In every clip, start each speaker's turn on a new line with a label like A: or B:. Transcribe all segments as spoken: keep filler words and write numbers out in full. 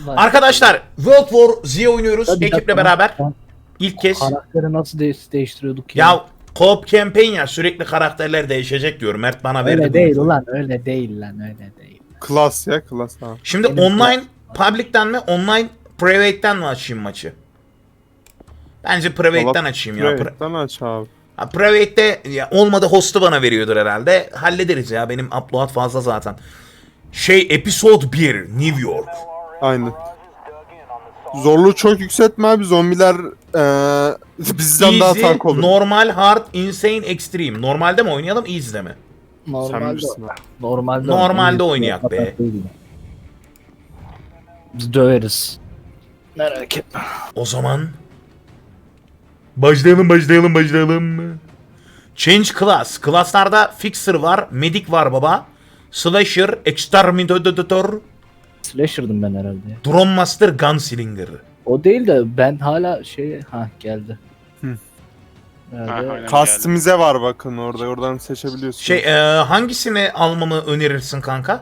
A: Arkadaşlar World War Z oynuyoruz
B: Hadi
A: ekiple
B: dakika.
A: beraber.
B: Ben
A: İlk kez.
B: Karakteri nasıl de değiştiriyorduk ya?
A: Ya co-op campaign ya, sürekli karakterler değişecek diyor. Mert bana verdi
B: öyle
A: bu
B: değil
A: infoyu.
B: ulan, öyle değil lan, öyle değil.
C: Klas ya klas ha.
A: Şimdi
B: Benim
A: online public'ten mi online private'ten mi açayım maçı? Bence private'ten açayım ya. Pri-
C: Private'den aç abi.
A: Ha, private'te ya olmadı, host'u bana veriyordur herhalde. Hallederiz ya, benim upload fazla zaten. Şey, episode bir New York.
C: Aynen. Zorluğu çok yükseltme abi, zombiler eee bizden daha
A: Easy,
C: tank olur.
A: normal, hard, insane, extreme. Normalde mi oynayalım, easy'de mi?
C: Sen
B: Normalde,
C: bilirsin abi.
B: normalde,
A: Normalde
B: oyun-
A: oynayak be.
B: Biz döveriz. Merak etme.
A: O zaman başlayalım başlayalım başlayalım. Change class. Class'larda fixer var, medic var baba. Slasher, exterminator,
B: Slasher'dım ben herhalde. ya.
A: drone master, gunslinger.
B: O değil de ben hala şey, ha geldi.
C: Hı.
B: Nerede?
D: Ha, aynen.
C: Customize var bakın orada, oradan seçebiliyorsun.
A: Şey, e, hangisini almamı önerirsin kanka?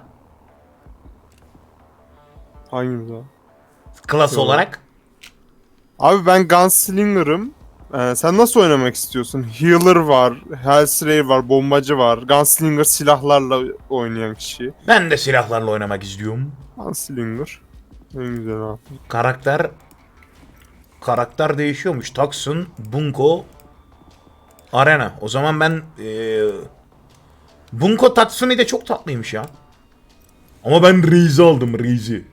C: Hangimiz abi?
A: Class
C: Yok.
A: olarak.
C: Abi ben Gunslinger'ım. Ee, sen nasıl oynamak istiyorsun? Healer var, Hellslayer var, bombacı var. Gunslinger silahlarla oynayan kişi.
A: Ben de silahlarla oynamak istiyorum.
C: Gunslinger. En güzel abi.
A: Karakter karakter değişiyormuş. Taksun, Bunko, Arena. O zaman ben e, Bunko Tatsumi de çok tatlıymış ya. Ama ben Reis'i aldım, Reis'i.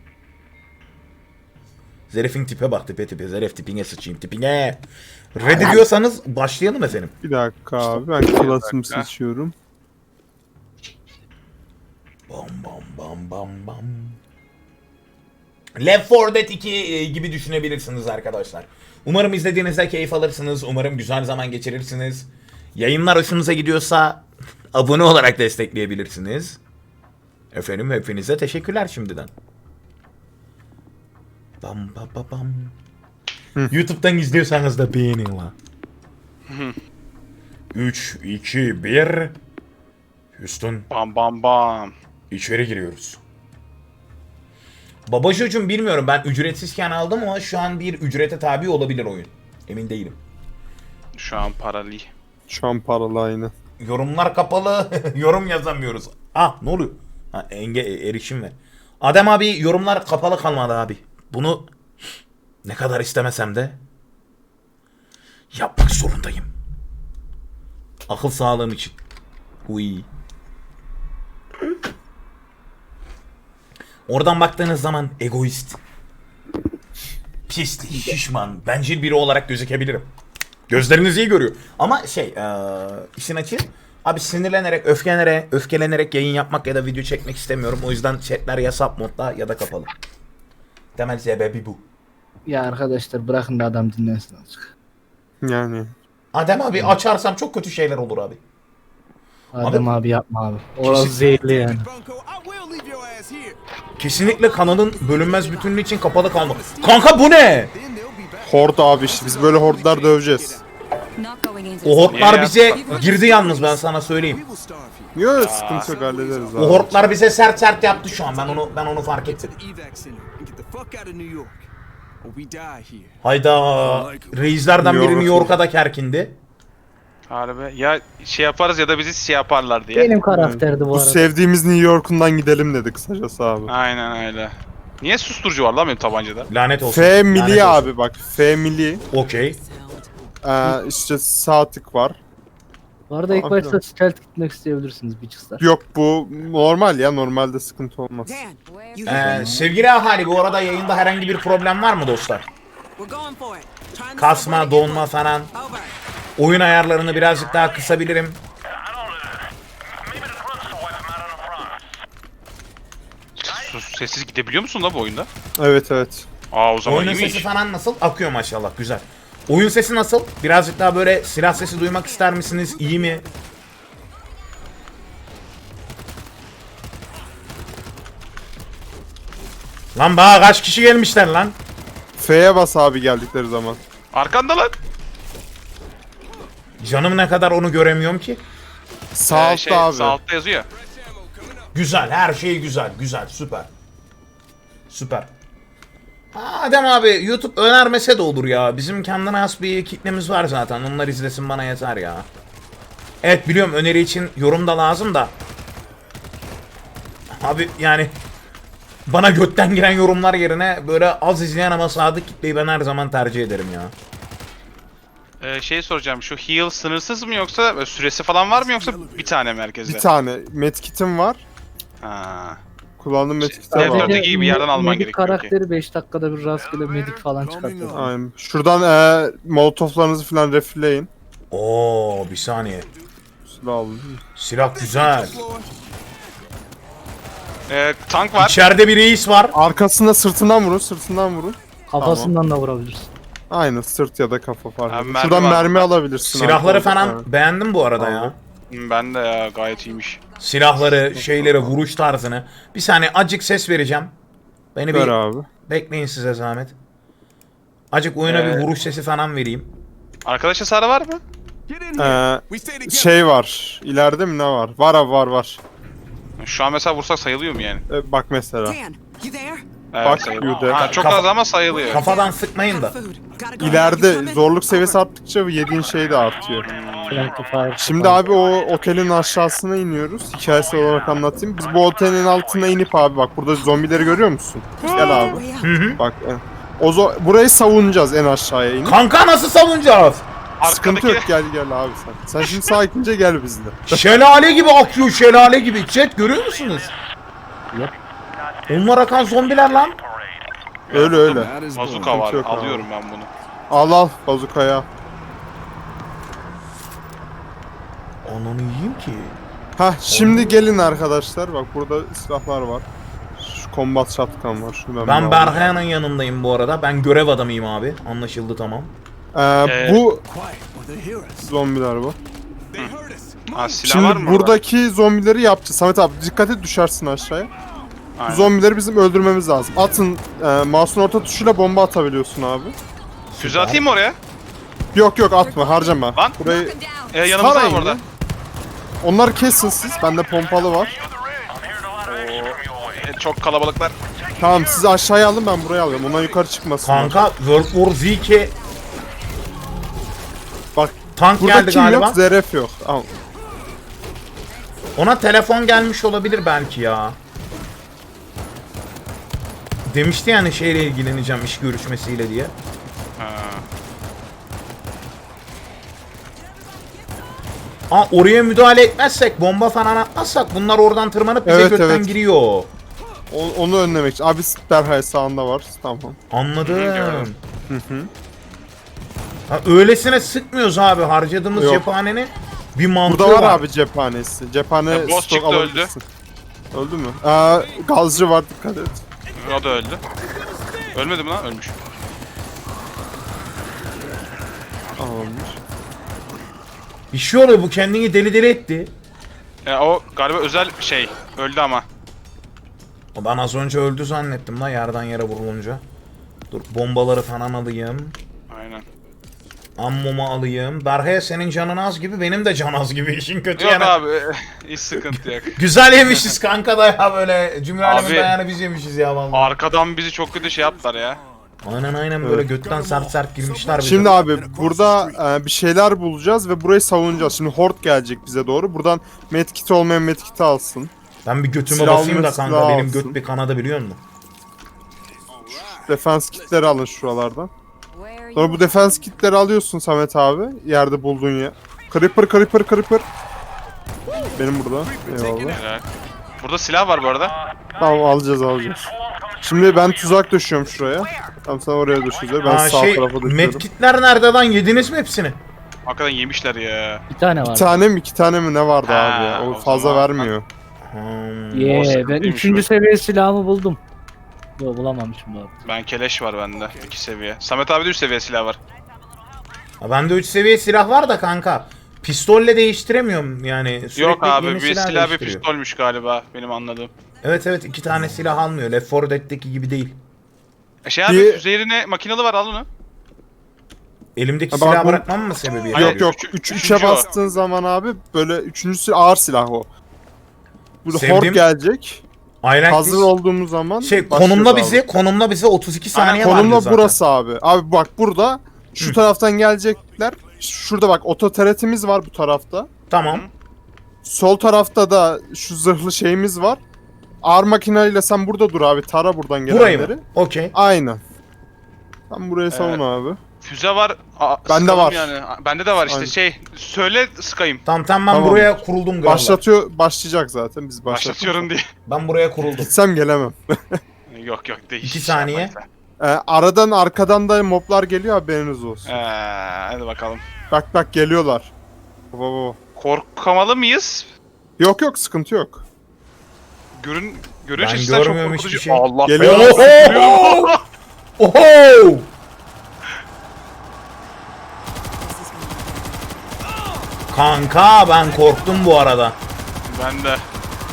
A: Zeref'in tipe bak, tipe tipe. Zeref tipine sıçayım, tipine. Ready diyorsanız başlayalım efendim.
C: Bir dakika abi, ben klasımı
D: dakika.
C: seçiyorum.
A: Bam bam bam bam bam. Left four Dead iki e, gibi düşünebilirsiniz arkadaşlar. Umarım izlediğinizde keyif alırsınız. Umarım güzel zaman geçirirsiniz. Yayınlar hoşunuza gidiyorsa abone olarak destekleyebilirsiniz. Efendim, hepinize teşekkürler şimdiden. Bam bam bam bam. YouTube'dan izliyorsanız da beğenin la. üç, iki, bir. Houston,
D: Bam bam bam.
A: içeri giriyoruz. Babacığım, bilmiyorum, ben ücretsizken aldım ama şu an bir ücrete tabi olabilir oyun. Emin değilim.
D: Şu an paralı.
C: Şu an paralı aynı.
A: Yorumlar kapalı. Yorum yazamıyoruz. Ah, ne oluyor? Ha, enge erişim ver. Adem abi, yorumlar kapalı kalmadı abi. Bunu ne kadar istemesem de yapmak zorundayım. Akıl sağlığım için. Uy. Oradan baktığınız zaman egoist, pis, şişman, bencil biri olarak gözükebilirim. Gözleriniz iyi görüyor. Ama şey, eee işin açığı, abi sinirlenerek, öfkelenerek, öfkelenerek yayın yapmak ya da video çekmek istemiyorum. O yüzden chatler ya sub modda ya da kapalı. Temel sebebi bu.
B: Ya arkadaşlar bırakın da adam dinlensin azıcık.
C: Yani.
A: Adem abi açarsam çok kötü şeyler olur abi.
B: Adem abi, yapma abi. Orası zehirli yani.
A: Kesinlikle kanalın bölünmez bütünlüğü için kapalı kalma. Kanka bu ne?
C: Horde abi, işte biz böyle horde'lar döveceğiz.
A: O hortlar
D: Niye
A: bize
D: yaptın?
A: girdi yalnız, ben sana söyleyeyim.
C: Yok, sıkıntı yok, hallederiz abi.
A: O hortlar bize sert sert yaptı şu an. Ben onu ben onu fark ettim. Hayda. Reislerden
C: New
A: biri New
C: York'a
A: York'a da kerkindi.
D: Harbi. Ya şey yaparız ya da bizi şey yaparlar diye.
B: Benim karakterdi bu
C: Bu
B: arada.
C: sevdiğimiz New York'undan gidelim dedi kısacası abi.
D: Aynen öyle. Niye susturucu var lan benim tabancada?
A: Lanet olsun.
C: F
A: lanet
C: mili
A: olsun.
C: abi, bak F mili.
A: Okey.
C: Ee, işte sağ tık var.
B: Bu arada ilk
C: Abi
B: başta
C: lan.
B: stealth gitmek isteyebilirsiniz bitches'lar.
C: Yok, bu normal ya, normalde sıkıntı olmaz.
A: Ee, sevgili ahali, bu arada yayında herhangi bir problem var mı dostlar? Kasma, donma falan. Oyun ayarlarını birazcık daha kısabilirim.
D: Sus, sessiz gidebiliyor musun la bu oyunda?
C: Evet evet.
D: Aa o zaman
A: Oyunun
D: iyiymiş.
A: sesi falan nasıl? Akıyor maşallah, güzel. Oyun sesi nasıl? Birazcık daha böyle silah sesi duymak ister misiniz? İyi mi? Lan bana kaç kişi gelmişler lan?
C: F'ye bas abi geldikleri zaman.
D: Arkanda lan.
A: Canım ne kadar onu göremiyorum ki.
C: Sağ
D: Ee,
C: altta
D: şey,
C: abi.
D: Sağ altta yazıyor.
A: Güzel, her şey güzel, güzel, süper. Süper. Adem abi YouTube önermese de olur ya. Bizim kendine has bir kitlemiz var zaten. Onlar izlesin bana yeter ya. Evet biliyorum öneri için yorum da lazım da. Abi yani bana götten giren yorumlar yerine böyle az izleyen ama sadık kitleyi ben her zaman tercih ederim ya.
D: Ee, şey soracağım, şu heal sınırsız mı yoksa böyle süresi falan var mı yoksa bir tane merkezde?
C: Bir tane medkit'im var.
D: Ha.
C: Kullandığım medkit'e
D: Evet,
C: var.
D: evet. Öteki bir yerden alman
B: medik
D: gerekiyor ki.
B: karakteri beş dakikada bir rastgele medik falan çıkartıyor.
C: Aynen. Şuradan e, molotoflarınızı falan refilleyin.
A: Oo bir saniye.
C: Silah alın.
A: Silah güzel.
D: Ee, tank var.
A: İçeride bir reis var.
C: Arkasında sırtından vurun, sırtından vurun.
B: Kafasından da vurabilirsin.
C: Aynen sırt ya da kafa fark
D: Abi
C: etmez.
D: mermi
C: Şuradan
D: var
C: mermi
D: burada.
C: alabilirsin.
A: Silahları
C: arkadan.
A: falan
C: Evet.
A: beğendim bu arada ya.
C: Aldım.
D: Hmm, Ben de ya gayet iyiymiş.
A: Silahları, şeyleri, vuruş tarzını. Bir saniye acık ses vereceğim. Beni
C: Ver
A: bir
C: abi.
A: bekleyin size zahmet. Acık oyuna
D: Ee,
A: bir vuruş sesi falan vereyim.
D: Arkadaş hasarı var mı?
C: Ee, şey var. İleride mi ne var? Var abi var var.
D: Şu an mesela vursak sayılıyor mu yani?
C: Ee, bak mesela.
E: Dan, you there?
D: Evet,
C: Bak,
D: sayılıyor.
C: you
D: Ha,
C: there.
D: çok
A: Kafa-
D: az ama sayılıyor.
A: Kafadan sıkmayın da.
E: Food. Gotta go. You
C: İleride
E: coming?
C: zorluk seviyesi
E: Over.
C: arttıkça yediğin şey de artıyor.
B: Friendly fire.
C: Şimdi abi o otelin aşağısına iniyoruz. Hikayesi olarak anlatayım. Biz bu otelin altına inip abi bak burada zombileri görüyor musun? Gel abi.
E: Hurry up.
A: Hı hı.
C: Bak e, o zo- burayı savunacağız en aşağıya inip.
A: Kanka nasıl savunacağız?
C: Sıkıntı yok gel gel abi sen. Sen şimdi sakince gel bizle.
A: Şelale gibi akıyor şelale gibi. Chat görüyor musunuz?
B: Yap.
A: Onlar akan zombiler lan.
C: Öyle öyle.
D: Bazuka var.
C: Sıkıntı yok abi.
D: Alıyorum ben bunu.
C: Al al bazukaya.
A: Ananı yiyeyim ki.
C: Hah şimdi gelin arkadaşlar. Bak burada silahlar var. Şu combat shotgun var. Şunu
A: Ben
C: bir
A: Berhaya'nın yanındayım bu arada. Ben görev adamıyım abi. Anlaşıldı tamam.
C: alayım. Ee,
D: Ee,
C: bu zombiler bu.
D: Ha, silah var
C: Şimdi
D: mı burada?
C: buradaki zombileri yapacağız. Samet abi dikkat et düşersin aşağıya. Bu
D: Aynen.
C: zombileri bizim öldürmemiz lazım. Atın e, mouse'un orta tuşuyla bomba atabiliyorsun abi.
D: Füze atayım mı oraya?
C: Yok yok atma harcama.
D: Lan.
C: Burayı
E: Knock 'em down.
D: Ee, yanımızda
C: Sarayın
D: var orada.
C: ya. Onları kesin siz. Bende pompalı var.
D: Ee, çok kalabalıklar.
C: Tamam siz aşağıya alın ben buraya alıyorum. Onlar yukarı çıkmasın.
A: Kanka World War Z iki
C: Bak
A: tank
C: burada
A: geldi
C: kim
A: galiba.
C: yok? Zeref yok. Al.
A: Ona telefon gelmiş olabilir belki ya. Demişti yani şeyle ilgileneceğim iş görüşmesiyle diye.
D: Ha.
A: Aa oraya müdahale etmezsek, bomba falan atmazsak bunlar oradan tırmanıp bize
C: Evet,
A: götten
C: evet.
A: giriyor.
C: O- onu önlemek için. Abi derhal sağında var. Tamam.
A: Anladım.
D: Gördüm.
C: Hı hı.
A: Ha, öylesine sıkmıyoruz abi. Harcadığımız
C: Yok.
A: cephanenin bir mantığı
C: Burada var
A: var.
C: abi cephanesi. Cephane
D: Ya, boss
C: stok
D: çıktı, öldü.
C: alabilirsin. Öldü mü? Aa, gazcı var dikkat et.
D: O da öldü. Ölmedi mi lan? Ölmüş.
C: Tamamdır.
A: Bir şey oluyor, bu kendini deli deli etti.
D: E, o galiba özel şey. Öldü ama.
A: Ben az önce öldü zannettim la yerden yere vurulunca. Dur bombaları falan alayım.
D: Aynen.
A: Ammomu alayım. Berhaya senin canın az gibi, benim de can az gibi, işin kötü
D: Yok
A: yani.
D: abi. Hiç sıkıntı yok.
A: Güzel yemişiz kanka da ya, böyle cümle alemin
D: Abi-
A: dayağını biz yemişiz ya vallahi.
D: Arkadan bizi çok kötü şey yaptılar ya.
A: Aynen aynen böyle götten sert sert girmişler bize.
C: Şimdi abi burada e, bir şeyler bulacağız ve burayı savunacağız. Şimdi horde gelecek bize doğru. Buradan medkit olmayan medkiti alsın.
A: Ben bir götüme
C: Silah
A: basayım da
C: almak
A: kanka,
C: silah
A: benim
C: alsın.
A: göt bir kanadı biliyor musun?
C: Defense kitleri alın şuralardan.
E: Where are
C: Sonra
E: you?
C: bu defense kitleri alıyorsun Samet abi. Yerde bulduğun ya. Creeper creeper creeper. Benim burada. Eyvallah.
D: Helal. Burada silah var bu arada.
C: Tamam alacağız alacağız. Şimdi ben tuzak döşüyorum şuraya. Tamam sen oraya döşüyorsun. Ben
A: Aa,
C: sağ
A: şey,
C: tarafa döşüyorum.
A: medkitler nerede lan, yediniz mi hepsini?
D: Hakikaten yemişler ya.
B: Bir tane var.
C: Bir tane mi iki tane mi ne vardı
D: Ha,
C: abi ya? O
D: o
C: fazla
D: zaman-
C: vermiyor.
A: Hmm.
B: Yeah, ben
D: sıkıntıymış
B: üçüncü
D: bu.
B: seviye silahımı buldum. Yok bulamamışım bu arada.
D: Ben keleş var bende. iki seviye. Samet abi de üç seviye silah var.
A: Ha, bende üç seviye silah var da kanka. Pistolle değiştiremiyorum yani. Sürekli
D: Yok abi
A: yeni
D: bir silah bir
A: değiştiriyor.
D: pistolmüş galiba benim anladığım.
A: Evet evet, iki tane silah almıyor. Left four Dead'deki gibi değil.
D: E şey abi
C: Bir-
D: üzerine makinalı var al onu.
A: Elimdeki
C: Ha, bak
A: silahı
C: bu-
A: bırakmam mı sebebiyet
D: Hayır,
C: Yok
A: veriyor?
C: yok.
D: üç-
C: Üç,
D: üçüncü
C: üçe
D: o.
C: bastığın zaman abi böyle üçüncüsü ağır silah o. Burada
A: Sevdiğim-
C: horde gelecek.
A: Island
C: Hazır
A: Beach-
C: olduğumuz zaman
A: Şey
C: başlıyoruz
A: konumla
C: abi.
A: bizi, konumla bize otuz iki saniye var
C: Konumla
A: zaten.
C: burası abi. Abi bak burada şu
A: Hı.
C: taraftan gelecekler. Şurada bak ototeretimiz var bu tarafta.
A: Tamam.
C: Sol tarafta da şu zırhlı şeyimiz var. Ağır makineyle sen burada dur abi. Tara buradan
A: Burayı
C: gelenleri.
A: mı? Okey.
C: Aynen. Sen burayı savun abi.
D: Füze var. Aa,
C: Bende
D: sıkalım
C: var.
D: Yani. Bende de var işte
C: Aynen.
D: şey. Söyle sıkayım.
A: Tamam tamam ben
C: Tamam.
A: buraya kuruldum galiba.
C: Başlatıyor, başlayacak zaten. Biz başlatıyoruz.
D: Başlatıyorum diye.
A: Ben buraya kuruldum.
C: Gitsem gelemem.
D: Yok yok değil.
A: İki saniye.
C: Ee, aradan arkadan da moblar geliyor haberiniz olsun.
D: Ee, hadi bakalım.
C: Bak bak geliyorlar. Baba baba.
D: Korkamalı mıyız?
C: Yok yok sıkıntı yok.
D: Görün görünüş
A: Ben
D: açısından çok
A: görmüyorum
D: korkutucu.
A: hiçbir şey.
D: Allah
C: Geliyor.
A: Oho! Oho! Kanka ben korktum bu arada.
D: Ben de.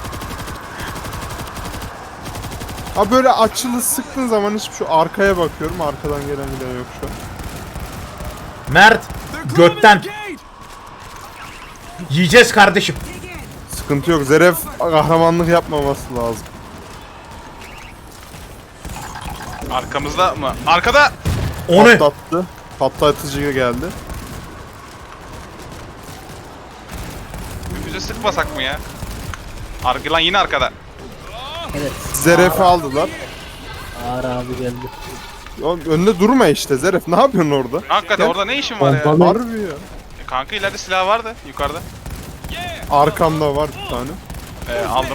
C: Abi böyle açılı sıktığın zaman hiç şu arkaya bakıyorum. Arkadan gelen giden yok şu an.
A: Mert götten. Yiyeceğiz kardeşim.
C: Sıkıntı yok. Zeref kahramanlık yapmaması lazım.
D: Arkamızda mı? Arkada.
A: O ne?
C: Patlattı. Patlatıcı geldi.
D: Füze sıkmasak mı ya? Arka lan yine arkada.
B: Evet.
C: Zeref'i aldılar.
B: Ağır abi geldi.
C: Oğlum önünde durma işte Zeref. Ne yapıyorsun orada?
D: Hakikaten
C: Gel.
D: orada ne işin var ya?
B: Pompalı.
C: Harbi ya.
D: E, kanka ileride silah vardı yukarıda.
C: Arkamda var bir tane.
D: Ee, aldım.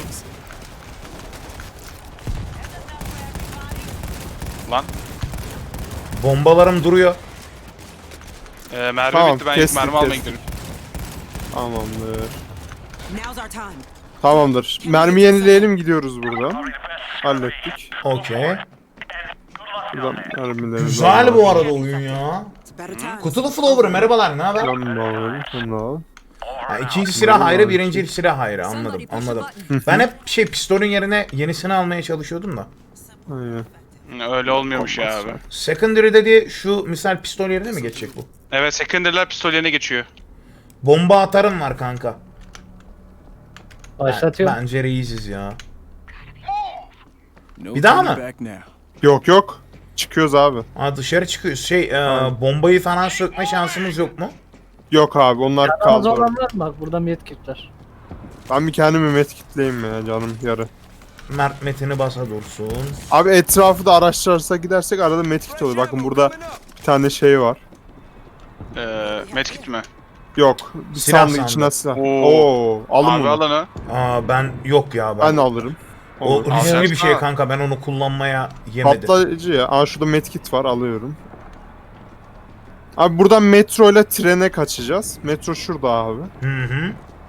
D: Lan.
A: Bombalarım duruyor.
D: Ee, mermi
C: Tamam,
D: bitti ben
C: kestik,
D: mermi almaya
C: kestik.
D: gidiyorum.
C: Tamamdır.
E: Now's our time.
C: Tamamdır. Mermi yenileyelim gidiyoruz buradan. Hallettik.
A: Okey.
C: Buradan mermileri
A: Güzel bu arada oyun ya.
E: It's a better time.
A: Kutulu Flower merhabalar ne haber?
C: Buradan da alalım. Bunu da al.
A: Ha, ikinci silah ayrı, birinci silah ayrı. Anladım, anladım. Ben hep şey pistolün yerine yenisini almaya çalışıyordum da.
C: Aynen.
D: Hı, Öyle olmuyormuş ya abi.
A: Secondary dediği şu misal pistol yerine mi geçecek bu?
D: Evet secondary'ler pistol yerine geçiyor.
A: Bomba atarım var kanka.
B: Başlatıyor.
A: Bence reiziz ya.
F: No
A: Bir daha
F: turning
A: mı?
F: back now.
C: Yok yok. Çıkıyoruz abi.
A: Ha dışarı çıkıyoruz. Şey e, bombayı falan sökme şansımız yok mu?
C: Yok abi onlar
B: Az
C: kaldı. orada.
B: olan var mı? Bak burada medkit var.
C: Ben bir kendimi medkitleyeyim ya canım yarı.
A: Mert Metin'i basa dursun.
C: Abi etrafı da araştırırsak gidersek arada medkit oluyor. Bakın burada bir tane şey var.
D: Ee, medkit mi?
C: Yok. Bir
A: Silah
C: sandık
A: sandık.
C: içine silah.
D: Oo.
C: Oo. Alın
D: Abi
C: bunu.
D: al onu.
A: Aa ben yok ya ben.
C: Ben alırım.
A: o
C: Olur.
A: riskli bir
D: Alacaksın
A: şey
D: ha.
A: kanka ben onu kullanmaya yemedim.
C: Patlayıcı ya. Aa şurada medkit var alıyorum. Abi buradan metro ile trene kaçacağız. Metro şurada abi.
A: Hı hı.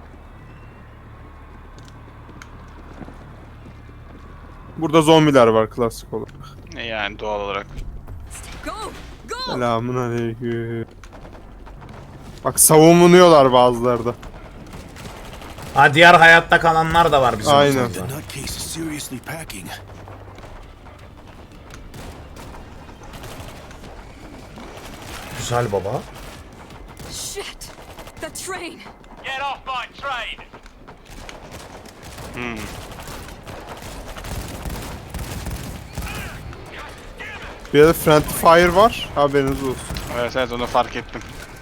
C: Burada zombiler var klasik olarak.
D: E, Yani doğal olarak.
E: Go! Go!
C: Selamun aleyküm. Bak savunuyorlar bazıları da.
A: Ha diğer hayatta kalanlar da var bizim.
C: Aynen.
F: The nutcase is seriously packing.
A: Güzel baba.
E: Shit! The train!
G: Get off my train!
D: Hmm.
C: Bir de friendly fire var. Haberiniz olsun.
D: Evet evet onu fark ettim.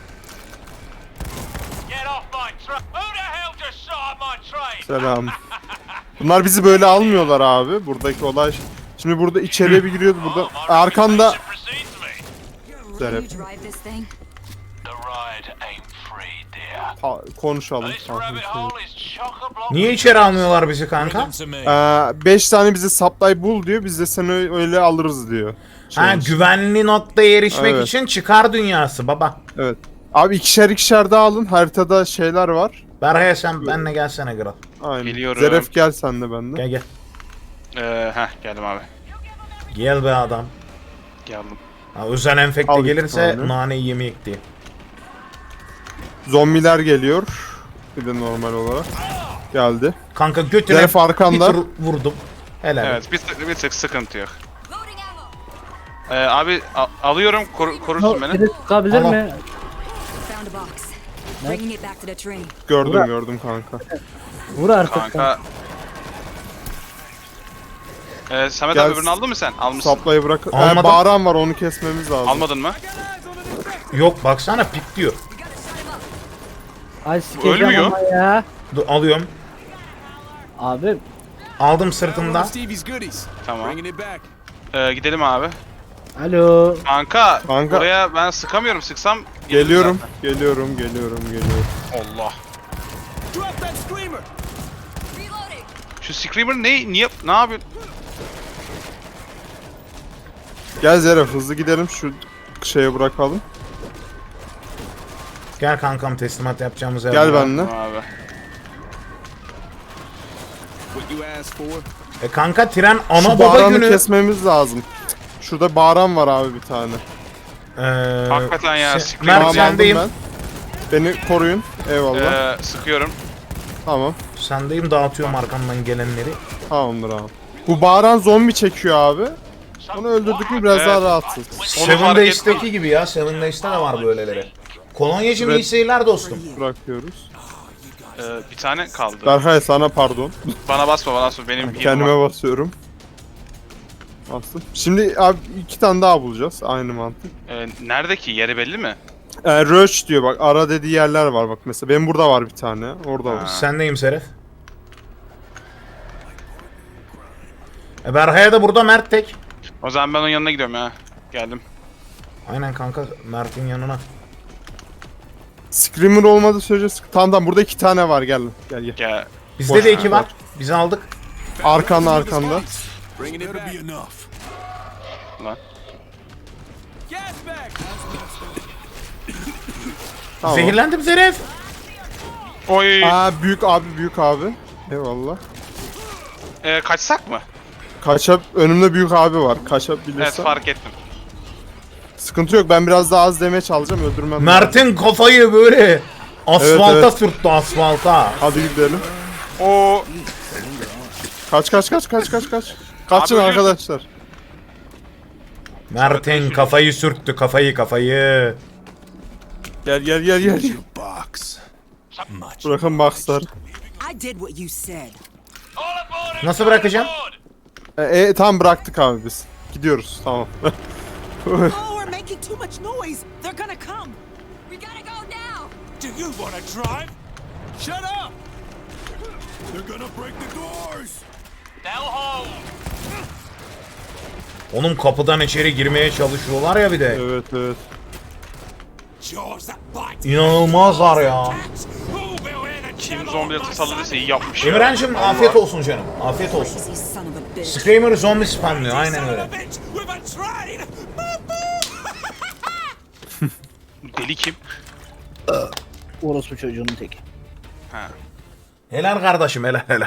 G: Get off my train! Who the hell just shot at my train?
C: Selam. Bunlar bizi böyle almıyorlar abi. Buradaki olay. Şimdi burada içeriye bir giriyoruz burada. Arkanda
G: Mission precedes me.
E: You're
C: Zeref.
E: running you drive this thing?
G: The ride ain't free, dear.
C: Ha, konuşalım.
G: This rabbit hole is chock-a-block.
A: Niye içeri almıyorlar bizi kanka?
C: Ee, beş tane bize supply bul diyor. Biz de seni öyle alırız diyor.
A: Ha
C: Şey,
A: güvenli noktaya erişmek
C: Evet.
A: için çıkar dünyası baba.
C: Evet. Abi ikişer ikişer de alın. Haritada şeyler var.
A: Berhaya sen benle gelsene kral.
C: Aynen.
D: Geliyorum.
C: Zeref gel sen de bende.
A: Gel gel.
D: Ee, heh geldim abi.
A: Gel be adam.
D: Geldim.
A: Ha, özel enfekte
C: Al iki
A: gelirse
C: tane.
A: naneyi yemeyek diye.
C: Zombiler geliyor. Bir de normal olarak. Geldi.
A: Kanka götüne
C: Zeref arkanda.
A: bir tur vurdum. Helal.
D: Evet bir tık, bir tık sıkıntı yok.
E: Loading ammo!
D: Ee, abi a- alıyorum koru, korursun beni.
B: Biri sıkabilir
A: Tamam.
B: mi?
E: Found a box. Bringing it back to the train.
C: Gördüm
B: Burak.
C: gördüm kanka.
B: Vur artık.
D: Kanka Ee, Samet
C: Gel-
D: abi öbürünü aldın mı sen? Almışsın.
C: Saplayı bırak. Ee,
A: Almadım.
C: bağıran var onu kesmemiz lazım.
D: Almadın mı?
A: Yok baksana pik diyor.
B: Ay sikeceğim
D: Ölmüyor.
B: ama ya.
A: Dur, alıyorum.
B: Abi
A: Aldım sırtımda.
F: Stevie's goodies.
D: Tamam.
F: Bringing it back.
D: Ee, gidelim abi.
B: alo.
D: Kanka,
C: Kanka.
D: buraya ben sıkamıyorum. Sıksam
C: Geliyorum,
D: zaten.
C: geliyorum, geliyorum, geliyorum.
D: Allah.
F: Drop that screamer.
E: Reloading.
D: Şu Screamer ne niye ne yapıyor?
C: Gel Zeref hızlı gidelim şu şeye bırakalım.
A: Gel kankam teslimat yapacağımız yer.
C: Gel
A: var.
C: benimle.
D: Abi.
F: What you asked for?
A: E kanka tren ana
C: Şu
A: baba
C: bağıranı
A: günü.
C: kesmemiz lazım. Şurada bağıran var abi bir tane.
A: Ee,
D: Hakikaten ya,
A: şey-
D: siktir
A: Mert
D: ya.
C: Tamam, aldım
A: sendeyim.
C: ben. Beni koruyun. Eyvallah.
D: Ee, sıkıyorum.
C: Tamam.
A: Sendeyim dağıtıyorum arkamdan gelenleri.
C: Tamamdır abi. Bu bağıran zombi çekiyor abi. Onu öldürdük mü biraz
D: Evet.
C: daha rahatsız.
A: Seven
D: fark
A: Days'teki gibi ya. Seven Days'te de var böyleleri. Kolonyacım
C: Evet.
A: iyi seyirler dostum.
C: Bırakıyoruz.
D: Ee, bir tane kaldı.
C: Berkay sana pardon.
D: Bana basma, bana basma. Benim healim
C: Kendime
D: var.
C: basıyorum. Bastım. Şimdi abi iki tane daha bulacağız. Aynı mantık.
D: Ee, nerede ki? Yeri belli mi?
C: Ee, Roach diyor bak. Ara dediği yerler var bak mesela. Benim burada var bir tane. Orada var.
A: Sendeyim Seref. E Berha'ya da burada Mert tek.
D: O zaman ben onun yanına gidiyorum ya. Geldim.
A: Aynen kanka Mert'in yanına.
C: Screamer olmadığı sürece sık- tamam tamam burada iki tane var gel gel gel.
D: Gel.
A: Bizde
C: Boş
A: de iki
C: ver.
A: var. Biz aldık.
C: Arkanda arkanda.
F: Bringing it
G: Better
F: back.
G: be enough.
D: Lan.
F: Gas back.
C: Tamam.
A: Zehirlendim Seref.
D: Oy.
C: Aa büyük abi büyük abi. Eyvallah.
D: Ee, kaçsak mı?
C: Kaçap önümde büyük abi var.
D: Evet,
C: Kaçabilirsen.
D: fark ettim.
C: Sıkıntı yok. Ben biraz daha az damage alacağım. Öldürmem. lazım.
A: Mert'in kafayı böyle asfalta
C: Evet, evet.
A: sürttü asfalta.
C: Hadi gidelim.
D: O
C: Kaç kaç kaç kaç kaç kaç. Kaçın
D: Abi,
C: arkadaşlar.
A: Mert'in kafayı sürttü kafayı kafayı.
C: Gel gel gel gel.
F: Box. Much.
C: Bırakın boxlar.
E: I did what you said.
G: All aboard and
A: Nasıl
G: come
A: bırakacağım?
G: aboard.
C: E, e, tam bıraktık abi biz. Gidiyoruz tamam.
E: Oh, we're making too much noise. They're gonna come. We gotta go now.
G: Do you want to drive? Shut up! They're gonna break the doors. They'll hold.
A: Onun kapıdan içeri girmeye çalışıyorlar ya bir de.
C: Evet evet.
G: Jaws that bite.
A: İnanılmazlar ya.
G: Who will hear the
D: kim
G: devil
D: zombiye
G: on my
D: tasarladıysa iyi
G: side?
D: yapmış ya.
A: Emre'cim afiyet olsun canım. Afiyet olsun.
E: Crazy son of a bitch.
A: Screamer zombi spamlıyor aynen
G: Son of
A: öyle.
G: a bitch with a train.
D: Deli kim?
B: Orospu çocuğunun teki.
D: Ha.
A: Helal kardeşim helal helal.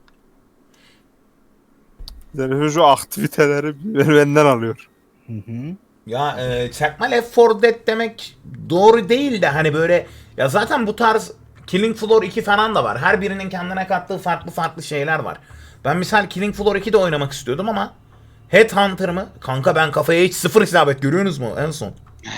C: Yani şu aktiviteleri benden alıyor.
A: Ya e, çakma Left four Dead demek doğru değil de hani böyle ya zaten bu tarz Killing Floor iki falan da var. Her birinin kendine kattığı farklı farklı şeyler var. Ben misal Killing Floor iki'de oynamak istiyordum ama Headhunter mı? Kanka ben kafaya hiç sıfır isabet görüyorsunuz mu en son?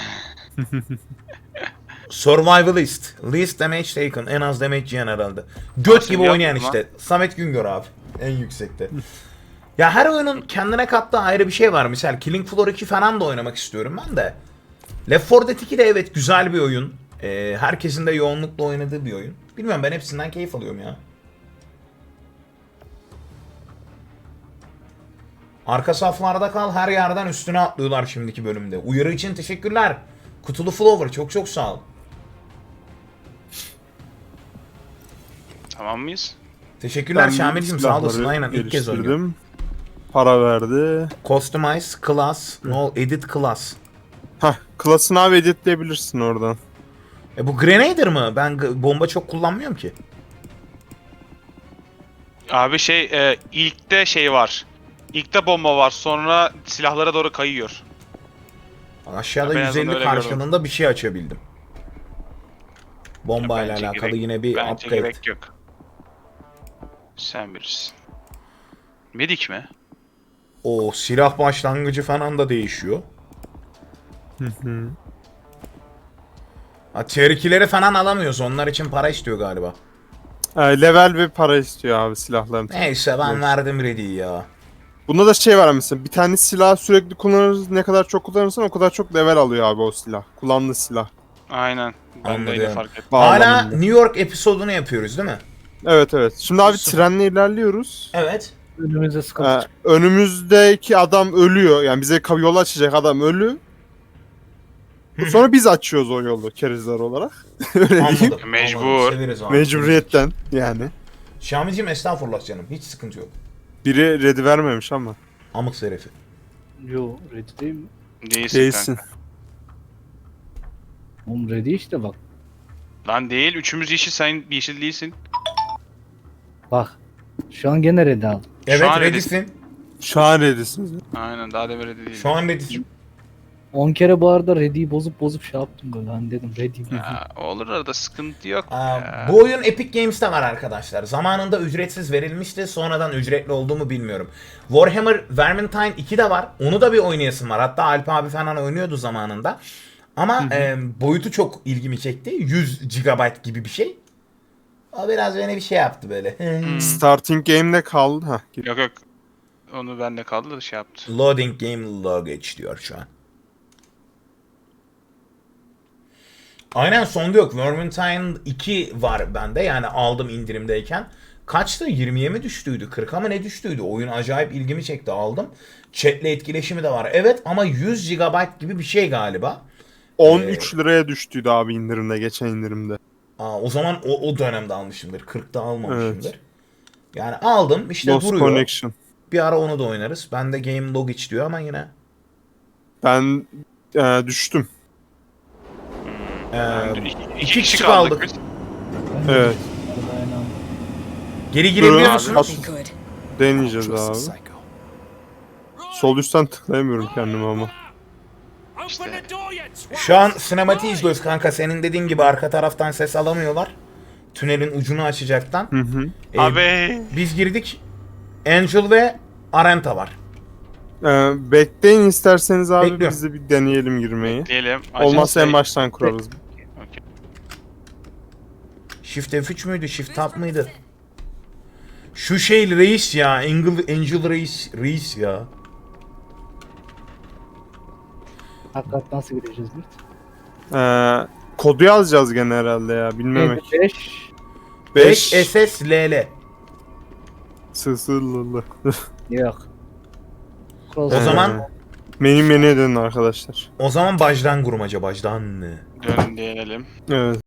A: Survivalist. Least damage taken. En az damage yiyen herhalde. Göt
D: Sen
A: gibi oynayan
D: yaptın
A: işte. Samet Güngör abi. En yüksekte. Ya her oyunun kendine kattığı ayrı bir şey var. Misal Killing Floor iki falan da oynamak istiyorum ben de. Left four Dead iki de evet güzel bir oyun. Ee, herkesin de yoğunlukla oynadığı bir oyun. Bilmiyorum ben hepsinden keyif alıyorum ya. Arka saflarda kal her yerden üstüne atlıyorlar şimdiki bölümde. Uyarı için teşekkürler. Kutulu Flower çok çok sağ ol.
D: Tamam mıyız?
A: Teşekkürler
C: Ben
A: Şamil'cim sağ olasın
C: silahları
A: aynen ilk kez oynuyorum.
C: geliştirdim. Para verdi.
A: Customize class, no edit class.
C: Hah, klasını abi editleyebilirsin oradan.
A: E bu Grenader mı? Ben g- bomba çok kullanmıyorum ki.
D: Abi şey e, ilkte şey var. İlkte bomba var, sonra silahlara doğru kayıyor.
A: Aşağıda
D: Ben en
A: yüz
D: azından
A: elli
D: öyle
A: karşılığında bir şey açabildim. Bomba ile
D: Bence
A: alakalı
D: gerek-
A: yine bir
D: bence
A: upgrade.
D: gerek yok. Sen bilirsin. Medik mi?
A: O silah başlangıcı falan da değişiyor. Ha, tier iki'leri falan alamıyoruz. Onlar için para istiyor galiba.
C: Ee, level ve para istiyor abi silahların.
A: Neyse ben verdim ready'yi ya.
C: Bunda da şey var mesela, bir tane silah sürekli kullanırız, ne kadar çok kullanırsan o kadar çok level alıyor abi o silah. Kullandığı silah.
D: Aynen. Ben de öyle
A: Anladım.
D: fark ettim.
A: Hala
C: Bağlamında.
A: New York episodunu yapıyoruz değil mi?
C: Evet evet. Şimdi abi
A: Süper.
C: trenle ilerliyoruz.
A: Evet.
B: Önümüze sıkıntı
C: Ee,
B: çıktı.
C: önümüzdeki adam ölüyor. Yani bize kav- yol açacak adam ölü. Sonra biz açıyoruz o yolu kerizler olarak. Öyle diyeyim.
A: Anladım.
D: Mecbur.
A: Anladım. Severiz abi.
C: Mecburiyetten yani.
A: Şamil'cim estağfurullah canım. Hiç sıkıntı yok.
C: Biri ready vermemiş ama.
A: Amık serifi.
B: Yo ready değil mi?
D: Değilsin,
C: Değilsin.
D: kanka.
B: Oğlum ready işte bak.
D: Lan değil. Üçümüz yeşil, sen yeşil değilsin.
B: Bak. Şu an gene ready aldım.
A: Evet
D: an
A: ready'sin.
C: Şu an ready'siniz.
D: Aynen, daha da böyle değil.
A: Şu an ready'sin.
B: on kere bu arada ready'yi bozup bozup şey yaptım böyle hani dedim ready.
D: Ya, olur, arada sıkıntı yok.
A: Aa,
D: ya.
A: bu oyun Epic Games'te var arkadaşlar. Zamanında ücretsiz verilmişti. Sonradan ücretli oldu mu bilmiyorum. Warhammer Vermintide iki de var. Onu da bir oynayasım var. Hatta Alp abi falan oynuyordu zamanında. Ama e, boyutu çok ilgimi çekti. yüz gigabayt gibi bir şey. O biraz beni bir şey yaptı böyle.
C: Starting game'de kaldı. Hah, gir-
D: Yok yok. Onu bende kaldı da şey yaptı.
A: Loading game luggage diyor şu an. Aynen sonda yok. Vermintide iki var bende. Yani aldım indirimdeyken. Kaçtı? yirmiye mi düştüydü? kırka mı ne düştüydü? Oyun acayip ilgimi çekti, aldım. Chat'le etkileşimi de var. Evet ama yüz gigabayt gibi bir şey galiba.
C: on üç liraya düştüydü abi indirimde, geçen indirimde.
A: Aa, o zaman o, o dönemde almışımdır. kırkta almamışımdır.
C: Evet.
A: Yani aldım işte
C: Lost
A: duruyor.
C: Connection.
A: Bir ara onu da oynarız. Bende Game Logic diyor ama yine.
C: Ben e, düştüm.
A: Ee,
D: Yani iki, iki
A: iki
D: kişi
A: kişi
D: kaldık.
A: kaldık.
D: biz.
C: Evet.
B: Aynen.
A: geri girebiliyor
C: Durun.
A: musun?
C: As-
E: Be good.
C: Deneyeceğiz
F: Trust the
C: abi.
F: psycho.
C: Sol üstten tıklayamıyorum kendimi ama.
G: Open the door, you twat!
A: Şu an sinematiği izliyoruz kanka. Senin dediğin gibi arka taraftan ses alamıyorlar. Tünelin ucunu açacaktan.
C: Hı hı.
A: Ee,
D: Abi.
A: Biz girdik. Angel ve Arenta var.
C: Ee, bekleyin isterseniz abi,
A: Bekliyorum.
C: biz de bir deneyelim girmeyi.
D: Diyelim.
C: Olmazsa en
D: Acele-
C: baştan kurarız.
D: Okey.
A: Shift F üç müydü? Shift Tab mıydı? Şu şey reis ya. Angel, Angel reis, reis ya.
B: Hakikat nasıl gireceğiz biz?
C: Ee, kodu yazacağız gene herhalde ya, bilmemek.
B: beş
A: beş
C: beş
A: S S L L.
C: Sısırlılı.
B: yok.
A: O zaman
C: Menü menüye dönün arkadaşlar.
A: o zaman bajdan kurmaca bajdan.
D: Dön diyelim.
C: Evet.